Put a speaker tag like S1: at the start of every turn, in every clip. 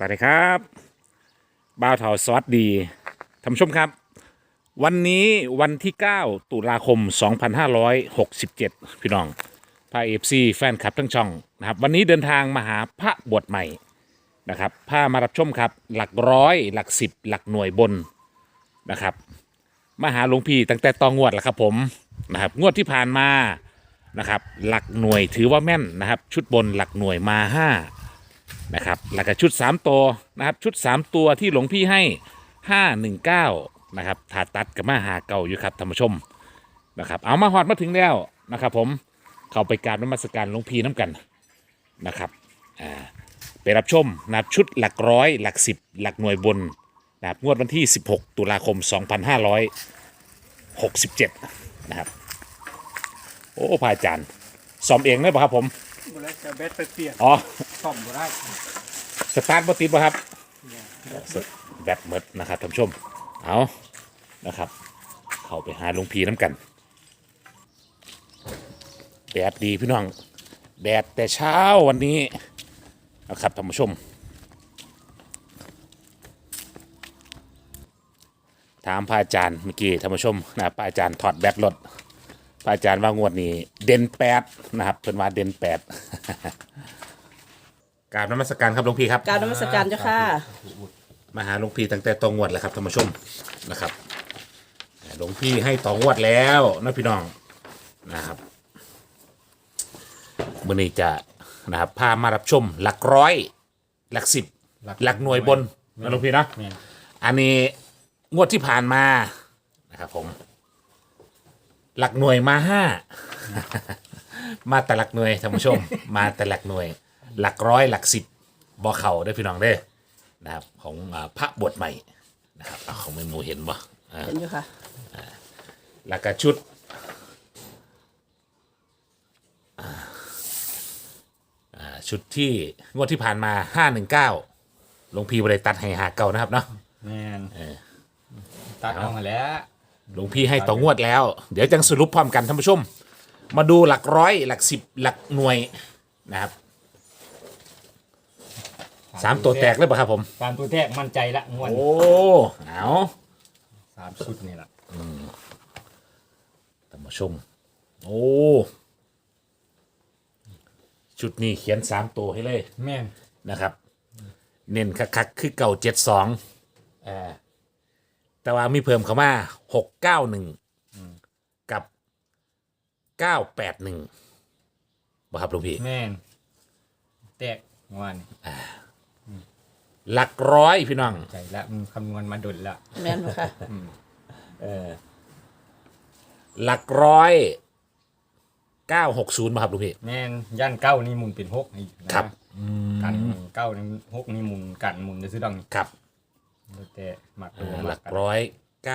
S1: วัสดีครับบ่าวเถาสวัสดีท่านผู้ชมครับวันนี้วันที่9ตุลาคม2567พี่น้องพาเอฟซีแฟนคลับทั้งช่องนะครับวันนี้เดินทางมาหาพระบวชใหม่นะครับพามารับชมครับหลักร้อยหลักสิบหลักหน่วยบนนะครับมาหาหลวงพี่ตั้งแต่ตองวดแล้วครับผมนะครับงวดที่ผ่านมานะครับหลักหน่วยถือว่าแม่นนะครับชุดบนหลักหน่วยมา5นะครับแล้วก็ชุด3ตัวนะครับชุด3ตัวที่หลวงพี่ให้519นะครับถาตัดกับมาหาเก่าอยู่ครับท่านผู้ชมนะครับเอามาหอดมาถึงแล้วนะครับผมเข้าไปกราบนมัสการหลวงพี่น้ำกันนะครับไปรับชมนะครับชุดหลักร้อยหลักสิบหลักหน่วยบนนะครับงวดวันที่16ตุลาคม2567นะครับโอ้พระอาจารย์ซ้อมเองได้ป่ะครับผม
S2: บ่ได้จะเบ็ดไปเปลี่ยน
S1: อ๋อ
S2: ซ่อมบ่ได้
S1: สตาร์ทบ่ติดป่ะครับแบตหมดนะครับท่านผู้ชมเอานะครับเข้าไปหาหลวงพี่น้ำกันแดดดีพี่น้องแดดแต่เช้าวันนี้นะครับท่านผู้ชมถามพระอาจารย์เมื่อกี้ท่านผู้ชมนะพระอาจารย์ถอดแบตรถพระอาจารย์ว่างวดนี้เด่น8นะครับเพิ่นว่าเด่น8กราบนมัสการครับหลวงพี่ครับ
S3: กรารนมัสการเจ้าค่ะ
S1: มาหาหลวงพี่ตั้งแต่ตองวดแหละครับท่านผู้ชมนะครับหลวงพี่ให้ตองวดแล้วนะพี่น้องนะครับมื้อนี้จะนะครับพามารับชมหลักร้อยหลักสิบหลักหน่วยบนนะหลวงพี่นะอันนี้งวดที่ผ่านมานะครับผมหลักหน่วยมา5มาแต่หลักหน่วยท่านผู้ชมมาแต่หลักหน่วยหลักร้อยหลักสิบบ่เข่าได้พี่น้องได้นะครับของพระบวชใหม่นะครับของเมนูเห็นบ่
S3: เห็นอยู่ค่ะ
S1: แล้วก็ชุดชุดที่งวดที่ผ่านมา519หลวงพี่บริตัดให้หาเก่านะครับเนาะ
S2: แม่นตัดเอามาแล้ว
S1: หลวงพี่ให้ต่องวดแล้วเดี๋ยวจังสรุปพร้อมกันท่านผู้ชมมาดูหลักร้อยหลักสิบหลักหน่วยนะครับ3ตัวแตกเลยป่ะครับผม
S2: 3ตัวแตกมั่นใจละงวด
S1: โอ้เอา
S2: 3ชุดนี่ล่ะ
S1: ท่านผู้ชมโอ้ชุดนี้เขียน3ตัวให้เลย
S2: แม่น
S1: นะครับเน้นคักๆคือเก่า72แต่ว่ามีเพิ่มเข้ามา691กับ981บ่ครับหลวงพี่
S2: แม่นแตกงวด
S1: หลักร้อยพี่น้อง
S2: ใจละมันคำนวณมาดุลละ
S3: แม่นค่ะ
S1: หลักร้อย960มาครับหลวงพี่
S2: แม่นย่าน9นี่หมุนเป็น6นี่
S1: ครับ
S2: กัน9นี่6นี่หมุนกันหมุนจะซื้อดัง
S1: ครับ
S2: แต่มักตัว
S1: หลักร้อย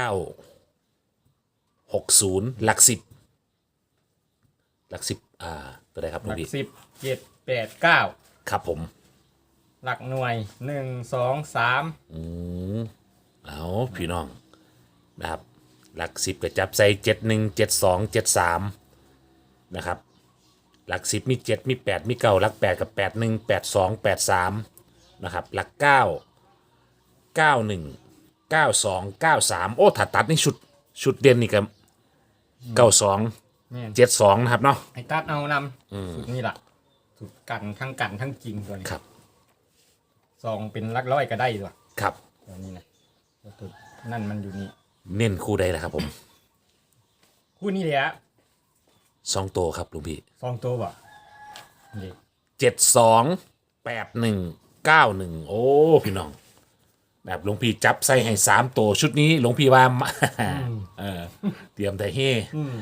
S1: 960หลักสิบหลักสิบตัวใดครับหลวงพี่
S2: หลัก10 7 8 9
S1: ครับผม
S2: หลักหน่วย1 2 3
S1: เอาพี่น้องนะครับหลักสิบก็จับใส่71 72 73นะครับหลักสิบมี7มี8มี9หลัก8กับ81 82 83นะครับหลัก9 91 92 93โอ้ถ้าตัดนี่ชุดเด่นนี่ก็92 72นะครับเนาะ
S2: ไอ้ตัดเอานำสุดนี่ล่ะสุดกันทั้งจริงตัวนี้
S1: ครับ
S2: ซองเป็นหลักร้อยก็ได้ด้วย
S1: ครับ
S2: ตัวนี้นะตัวนั่นมันอยู่นี่
S1: เน้นคู่ใดล่ะครับผม
S2: คู่นี้เลยฮะ
S1: 2ตัวครับลุงพี่
S2: 2ตัวบ่นี่
S1: 72 81 91โอ้พี่น้องแบบหลวงพี่จับใส่ให้3ตัวชุดนี้หลวงพี่ว่าเตรียมแต่เฮ่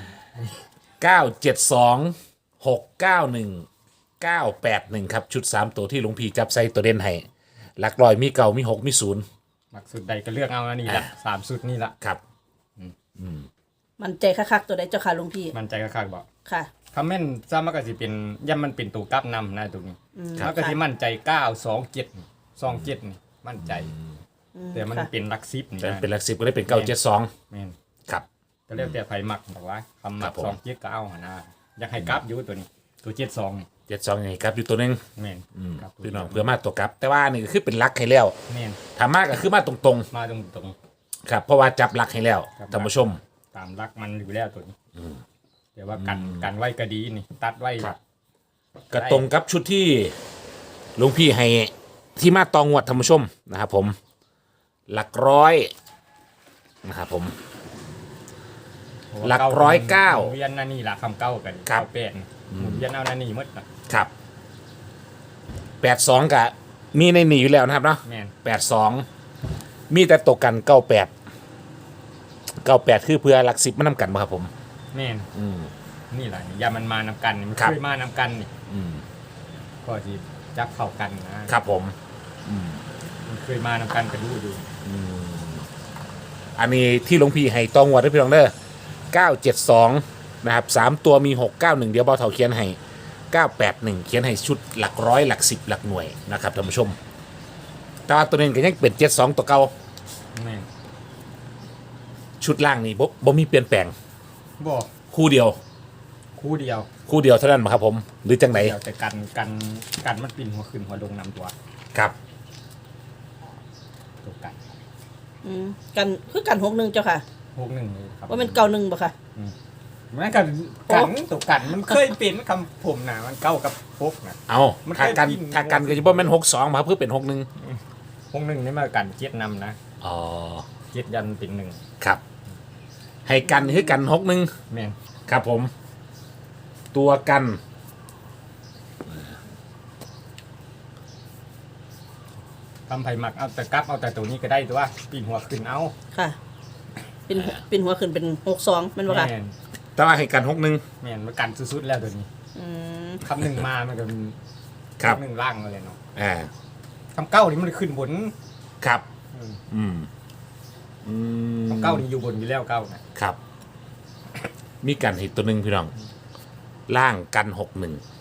S1: 972 691 981ครับชุด3ตัวที่หลวงพี่จับใส่ตัวเด่นให้หลักร้อยมีเก่ามี6มี0
S2: หลักสุดใดก็เลือกเอาอันนี้ละ3สุดนี่ละ
S1: ครับ
S3: มันใจคักๆตัวใดเจ้าค่ะหลวงพี่
S2: มันใจคักๆบ่
S3: ค่ะ
S2: คำแม่นซ้ำมันก็สิเป็นย่ำมันเป็นตัวกลับนำนะตรงนี้มันก็สิมั่นใจ927 นี่มั่นใจแต่มันเป็นหลัก10นี่
S1: เป็นหลัก10ก็ได้เป็น972
S2: แม่น
S1: ครับ
S2: ก็เรียกแต่ไผมักบอกว่าคำมัก27ก็เอาหนะอยากให้กลับอยู่ตัวนี้ตัวเจ็ดสองนี่
S1: 72ยังไงครับอยู่ตัวหนึง
S2: แม่นครับ
S1: พี่น้องเพื่อมาตัวกลับ แต่ว่านี่ก็คือเป็นหลักให้แล้ว
S2: แม่น
S1: ถามมากก็คือมาตรง
S2: มาตรง
S1: ๆครับเพราะว่าจับหลักให้แล้ว
S2: ครับ
S1: ท่านผู้ชม
S2: ๆตามรักมันอยู่แล้วตัวนี้แต่ว่ากันไว้ก็ดีนี่ตัดไว้
S1: ก็ตรงกับชุดที่หลวงพี่ให้ที่มาตองวดท่านผู้ชมนะครับผมหลักร้อยนะครับผม หลักร้อยเก้า
S2: หมุนเวียนนั่นนี่ละคำเก้ากัน
S1: ครับ
S2: เก้าแปดหมุนเวียนเอานั่นนี่หมดนะครับ
S1: 82กับมีในนี่อยู่แล้วนะครับเนาะ
S2: แม่น
S1: 82มีแต่ตกกัน98คือเพื่อหลัก10มานำกันบ่ครับผม
S2: แม่น
S1: อืม
S2: นี่แหละนี่ยามันมานำกันนี่มัน
S1: ครับ
S2: เคยมานำกันนี่
S1: อืม
S2: ก็จีจับเข้ากันนะครับ
S1: ผม
S2: มันเคยมานำกันก็รู้อยู่
S1: อันนี้ที่หลวงพี่ให้ตองวดด้วยพี่น้องเด้อ972นะครับ3ตัวมี691เดี๋ยวเบาเท่าเขียนให้981เขียนให้ชุดหลักร้อยหลัก10หลักหน่วยนะครับท่านผู้ชมแต่ว่าตัวนี้ก็ยังเป็น72ตัวเก่า
S2: แม่น
S1: ชุดล่างนี่บ่มีเปลี่ยนแปลง
S2: บอก
S1: คู่เดียว
S2: คู่เดียว
S1: คู่เดียวเท่านั้นบ่ครับผมหรือจังไหน
S2: เดียวแต่กันมันปิ่นหัวขึ้นหัวลงนำตัว
S1: ครับ
S2: ตัวกัน
S3: กันคือกัน61เจ้าค่ะ
S2: 61เลยครับ
S3: ว่าเป็นเก่า1บ่ค่ะ
S2: แม่กันตัวกันมันเคยเป็นคำผมนะมันเก้ากับพกนะ
S1: เอา
S2: มันเค
S1: ถ้าย กัน
S2: ปิ้น
S1: ถ้ากันก็จะบ่แม่น62บ่ครับเพื่อเป็น61
S2: 61นี่มากันเจ็ดนำนะ
S1: อ๋อ
S2: เจ็ดยันเป็นหนึ่ง
S1: ครับ ให้กันคือกัน61
S2: แม่น
S1: ครับผม ตัวกัน
S2: ทำไผ่หมักเอาแต่กลับเอาแต่ตัวนี้ก็ได้ตัวปีนหัวขึ้นเอา
S3: ค่ะ เป็นหัวขึ้นเป็น62แม่นบ่ค่ะ
S2: แม่น
S1: แต่ว่าให้กัน61
S2: แม่นมันกันสุดๆแล้วตัวนี้
S3: อืม
S2: คำหนึ่งมามันก็เป็น
S1: ครับ
S2: หนึ่งล่างเลยเนาะ
S1: อ่า
S2: คำเก้านี่มันขึ้นบน
S1: ครับ
S2: อืม
S1: อืมอืม
S2: คำเก้านี่อยู่บนอยู่แล้วเก้านะครับ
S1: มีกันอีกตัวหนึ่งพี่น้อง ล่างกัน61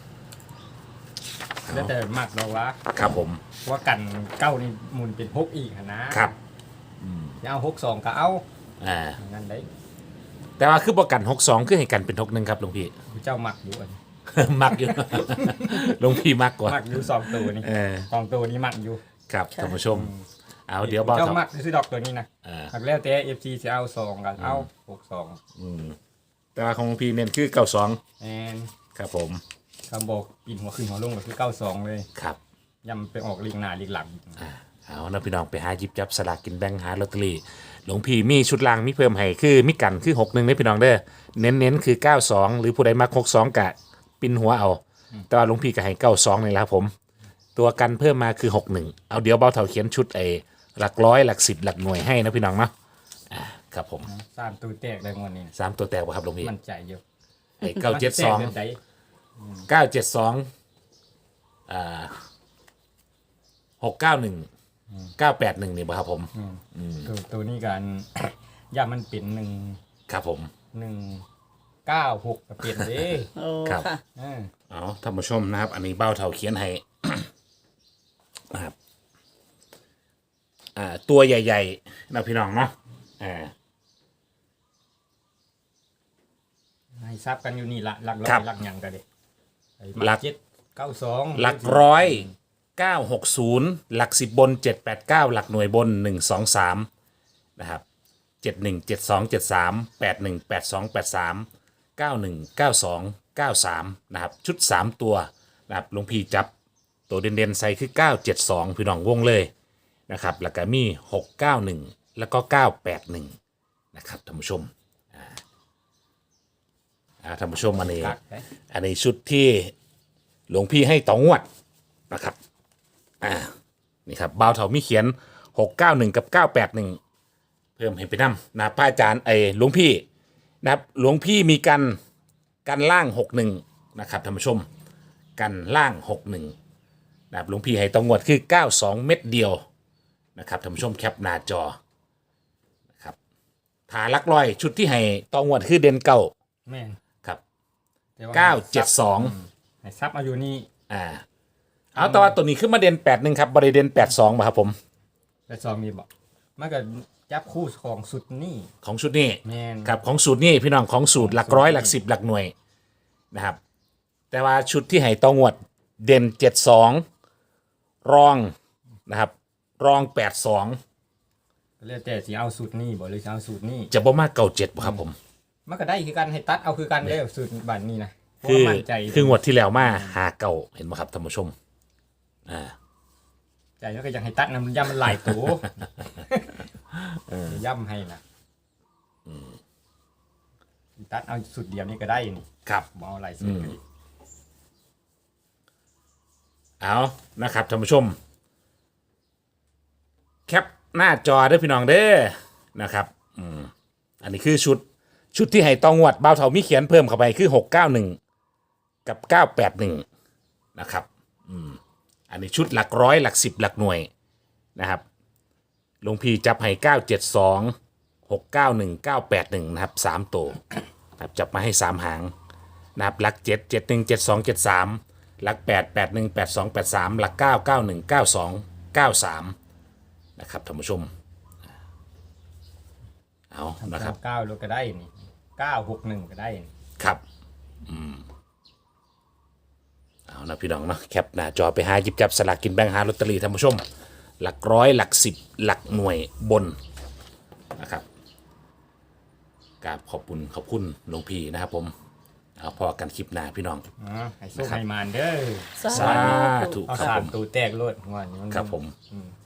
S2: แล้วแต่หมักเราวะ
S1: ครับผม
S2: ว่ากันเก้านี่หมุนเป็นพกอีกอะนะครับ จะเอา6-2ก็เอา
S1: อ่า
S2: อย่างนั้นได้
S1: แต่ว่าคือบอกกัน62คือให้กันเป็น61ครับหลวงพี่
S2: เจ้าหมักอยู่อัน
S1: มักอยู่ หลวงพี่มักกว่า
S2: หมักอยู่สองตัวนี่
S1: เออ
S2: สองตัวนี้หมักอยู่
S1: ครับท่านผู้ชม เอาเดี๋ยวบอก
S2: เจ้า
S1: ครับ
S2: หมักซื้อดอกตัวนี้นะ
S1: อ่า
S2: หักแล้วแต่ FC จะเอา2กันเอา6-2
S1: อืมแต่ว่าของหลวงพี่เน้นคือ92
S2: แอน
S1: ครับผม
S2: คำบอกปีนหัวขึ้นหัวลงก็คือ92เลย
S1: ครับ
S2: ยำไปออกลิงหน้าลิงหลัง
S1: เอานะพี่น้องไปหาหยิบจับสลากกินแบ่งหาลอตเตอรี่หลวงพี่มีชุดล่างมีเพิ่มให้คือมีกันคือ61ได้พี่น้องเด้อเน้นๆคือ92หรือผู้ใดมัก62กะปินหัวเอา แต่ว่าหลวงพี่ก็ให้92นี่แหละครับผม ตัวกันเพิ่มมาคือ61เอาเดี๋ยวเบาเท่าเขียนชุดหลักร้อยหลัก10หลักหน่วยให้นะพี่น้องเนาะครับผม
S2: สามตัวแตกได้งวดนี้
S1: 3ตัวแตกบ่ครับหลวงพี่
S2: มันใจเยอะ
S1: ไอ้
S2: มันแตกแบบใด
S1: 972 691 981นี่บ่ครับผม
S2: ตัวนี้กัน ย่ามันเป็น
S1: ครับผม
S2: 196ก็เปลี่ยนเด้
S3: โอ้
S1: ครับ
S3: ค่ะ
S2: เออ
S1: เอาท่านผู้ชมนะครับ อันนี้เบ้าเท่าเขียนให้ นะครับตัวใหญ่ๆนะพี่น้องเนาะอ่า
S2: ให้ทราบกันอยู่นี่ละหลักร้อ
S1: ครั
S2: ย
S1: บ
S2: หลักหยังก็เด้ไอ้
S1: หลัก
S2: 792
S1: หลักร้อย960หลัก10บน789หลักหน่วยบน123นะครับ717273 818283 9192 93นะครับชุด3ตัวนะครับหลวงพี่จับตัวเด่นๆใส่คือ972พี่น้องวงเลยนะครับแล้วก็มี691แล้วก็981นะครับท่านผู้ชมท่านผู้ชมอันนี้
S2: กักเด้
S1: อันนี้ชุดที่หลวงพี่ให้ต่องวดนะครับนี่ครับบ่าวเถามีเขียน691กับ981เพิ่มให้ไปนำนะพระอาจารย์หลวงพี่นะครับหลวงพี่มีกันล่าง61นะครับท่านผู้ชมกันล่าง61นะครับหลวงพี่ให้ต่องวดคือ92เม็ดเดียวนะครับท่านผู้ชมแคปหน้าจอนะครับฐานลักร้อยชุดที่ให้ต่องวดคือเด่นเก้า
S2: แม่น
S1: ครับ
S2: แต่ว่า
S1: 972
S2: ให้ทรัพย์มาอยู่นี่
S1: เอาแต่ว่าตัวนี้ขึ้นมาเด่น81ครับบริเด่น82ป่ะครับผม
S2: แต่ซองมีบอกมันก็จับคู่ของสุดนี่
S1: ของชุดนี้
S2: แม่น
S1: ครับของสูตรนี่พี่น้องของสูตรหลักร้อยหลัก10หลักหน่วยนะครับแต่ว่าชุดที่ให้ตองวดเด่น72รองนะครับรอง82
S2: ก็แล้วแต่สิเอาสูตรนี้บ่หรือสิเอาสูตรนี้
S1: จะบ่มากเก่า7บ่ครับผม
S2: มันก็ได้คือกันให้ตัดเอาคือกันเด้อสูตรบัดนี้นะเพราะ
S1: คือ
S2: ว่ามั่นใจ
S1: คืองวดที่แล้วมาหาเก่าเห็นไหมครับท่านผู้ชม
S2: ใจแล้วก็อยากให้ตัดนะมันย่ำมันหลายตัวย่ำให้นะตัดเอาสูตรเดียวนี่ก็ได้นี่
S1: ครับ
S2: บ่เอาหลายสูตรก็ดี
S1: เอานะครับท่านผู้ชมแคปหน้าจอเด้อพี่น้องเด้อนะครับอันนี้คือชุดที่ให้ตองวดบ่าวเถามีเขียนเพิ่มเข้าไปคือ691กับ981นะครับอันนี้ชุดหลักร้อยหลัก10หลักหน่วยนะครับหลวงพี่จับให้972 691 981นะครับ3ตัวนะครับจับมาให้3หางนะครับหลัก7 71 72 73หลัก8 81 82 83หลัก9 91 92 93นะครับท่านผู้ชมเอานะครับ
S2: 9แล้วก็ได้นี่961ก็ได้นี่
S1: ครับเอานะพี่น้องเนาะแคปหน้าจอไปหาหยิบจับสลากกินแบ่งหาลอตเตอรี่ท่านผู้ชมหลักร้อยหลัก10หลักหน่วยบนนะครับกราบขอบคุณหลวงพี่นะครับผมเอาพอกันคลิปหน้าพี่น้อง
S2: ให้โชคให้มานเด้อ
S1: สาธุ
S2: เอา
S1: ครับ
S2: สา
S1: ผม ม
S2: ตัวแตกโลดงอนนี้มัน
S1: ครับผม
S2: ส